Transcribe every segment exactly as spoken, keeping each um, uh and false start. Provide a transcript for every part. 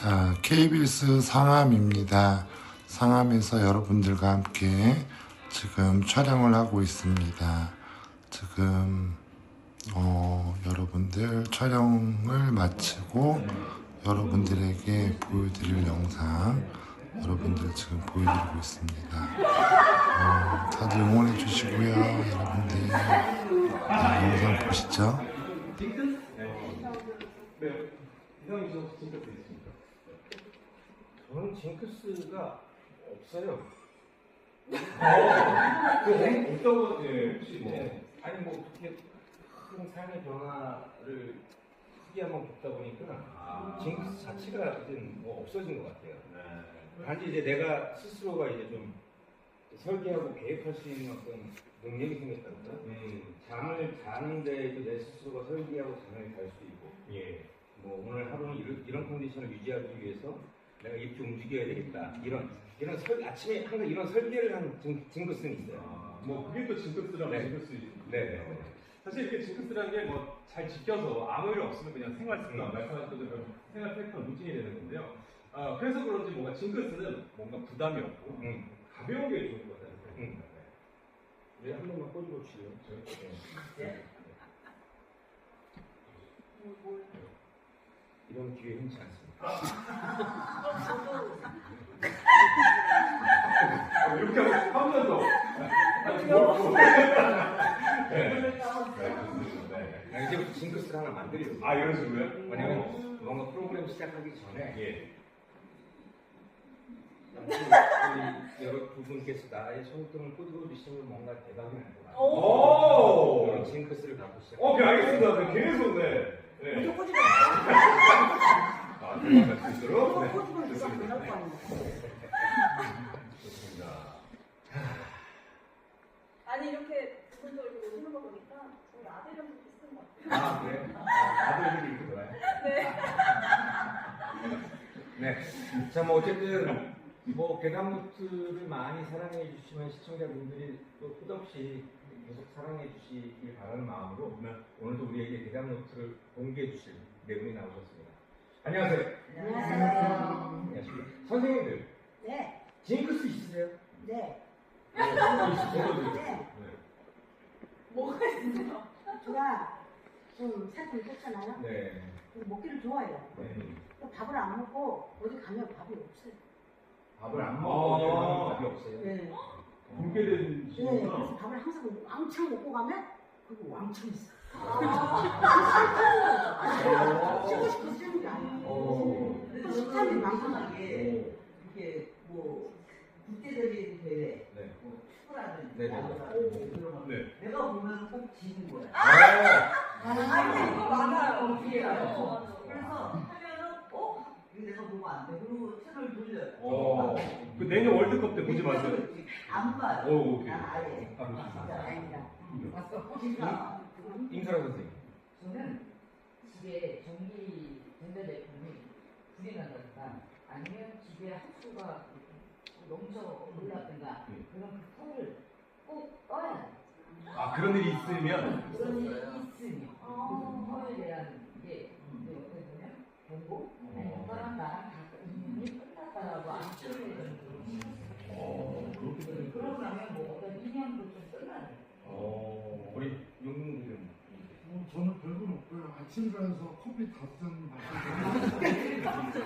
자, 케이비에스 상암입니다. 상암에서 여러분들과 함께 지금 촬영을 하고 있습니다. 지금 어, 여러분들 촬영을 마치고 여러분들에게 보여드릴 영상 여러분들 지금 보여드리고 있습니다. 어, 다들 응원해 주시고요. 여러분들 네, 영상 보시죠. 저는 징크스가 없어요. 어, 그 없다고 예, 혹시 뭐 아니 뭐 그렇게 큰 삶의 변화를 크게 한번 겪다 보니까 아. 징크스 자체가 이제 뭐 없어진 것 같아요. 네. 단지 이제 내가 스스로가 이제 좀 설계하고 계획할 수 있는 어떤 능력이 생겼다든가 음. 잠을 자는데도 내 스스로가 설계하고 잠을 잘 수 있고 예. 뭐 오늘 하루는 이런, 이런 컨디션을 유지하기 위해서 내가 이렇게 움직여야 되겠다. 이런, 이런 설, 아침에 항상 이런 설계를 한 징, 징크스는 있어요. 아, 뭐, 그게 또 징크스라고 네. 징크스 있죠. 네. 네. 사실 이렇게 징크스라는 게 뭐, 잘 지켜서 아무 일 없으면 그냥 생활 습관, 음. 말씀하신 것처럼 생활 패턴, 루틴이 되는 건데요. 아, 그래서 그런지 뭔가 징크스는 뭔가 부담이 없고, 음. 가벼운 게 좋은 것 같아요. 음. 네, 한 번만 꼬집어 주시요. 네. 이런 기회 흔치 않습니다. 이렇게 하면서. 네. 이제부터 징크스를 하나 만들려고. 아, 이런 식으로요? 왜냐면 뭔가 프로그램 시작하기 전에 예. 우리 여러 두 분께서 나의 손등을 꼬집어 주시면 뭔가 대박이 날 것 같아요. 오! 이런 징크스를 갖고 시작. 오케이, 알겠습니다. 네, 계속, 네. 네. 꼬집어 아, 들어갈 수 있도록. 네. 꼬집어 좋습니다. 거 아니야. 좋습니다. 아니 이렇게 두 분도 이렇게 오시는 거 보니까 저희 아들이랑 좀 비슷한 것 같아요. 아, 그래? 아, 아들들이 이렇게 놀아요? 네. 네. 자, 뭐, 어쨌든, 뭐, 괴담노트를 많이 사랑해 주시면 시청자분들이 또 끝없이 계속 사랑해 주시길 바라는 마음으로 네. 오늘도 우리에게 괴담노트를 공개해 주실 네 분이 나오셨습니다. 안녕하세요. 안녕하세요. 안녕하십니까. 선생님들, 네. 징크스 있으세요? 네. 저도 네. 뭐가 있어요? 제가 좀 살좀 쪘잖아요. 네. 먹기를 좋아해요. 네. 또 밥을 안 먹고 어디 가면 밥이 없어요. 밥을 안 아. 먹어도 밥이 없어요. 네. 굶게 된 네. 시구나. 그래서 밥을 항상 왕창 먹고 가면 그거 왕창 있어. 쉬고 싶어서 쉬는 게 오. 아니야. 식탐이 많구나. 이게 이게 뭐 국제적인 대회, 네. 뭐 축구라든지 네, 네, 네. 야구라든지 그런 거 네. 내가 보면 꼭 지는 거야. 아, 아, 이거 많아요. 그래서 하면은 어? 이거 내가 보면 안 돼. 그리고 채널 돌려요. 어. 그 내년 월드컵 때 보지 마세요. 안 봐요. 오, 오케이. 난 아예. 아, 진짜 아니다. 왔어. 그러니까 임설아 선생님. 저는 집에 전기 전자제품이 불이 난다든가 아니면 집에 하수가 넘쳐 올랐든가 음. 그런 그 털을 꼭 떠야 돼요. 아, 그런 일이 있으면. 그런 일이 있으면 그 털에 대한 게 이제 어떻게 보면 경고 아니면 떠난 나랑 다 인연이 끝났다라고 안 표현해주는 어, 그렇게 되는 그러고 나면 뭐 어떤 인연도 좀 끝나야 돼요. 어, 우리 용민들은 어, 저는 별건 없고요. 아침 일어나서 커피 다섯 잔 마시고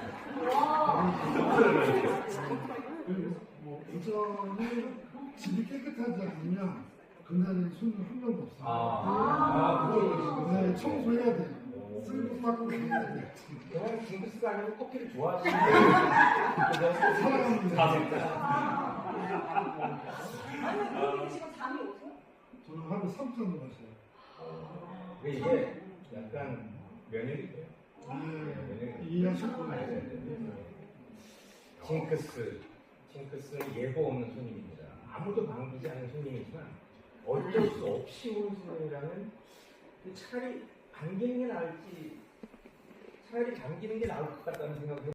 그리고 뭐 오전에 집이 깨끗하지 않으면 그날은 손님 한 명도 없어요. 아, 그걸 지금 네, 청소해야 돼요. 쓸고 닦고 해야 돼요. 그냥 징크스가 아니고 커피를 좋아하시는 사랑합니다. 아니, 그분이 지금 잠이 오세요? 저는 하루 삼 잔도 마셔요. 근데 이게 약간 면역이돼요. 네, 이해하셨구나. 징크스, 징크스는 예고 없는 손님입니다. 아무도 반기지 않는 손님이지만 어쩔 수 없이 오는 손님이라면 차라리 반기는 게 나을지 차라리 반기는 게 나을 것 같다는 생각을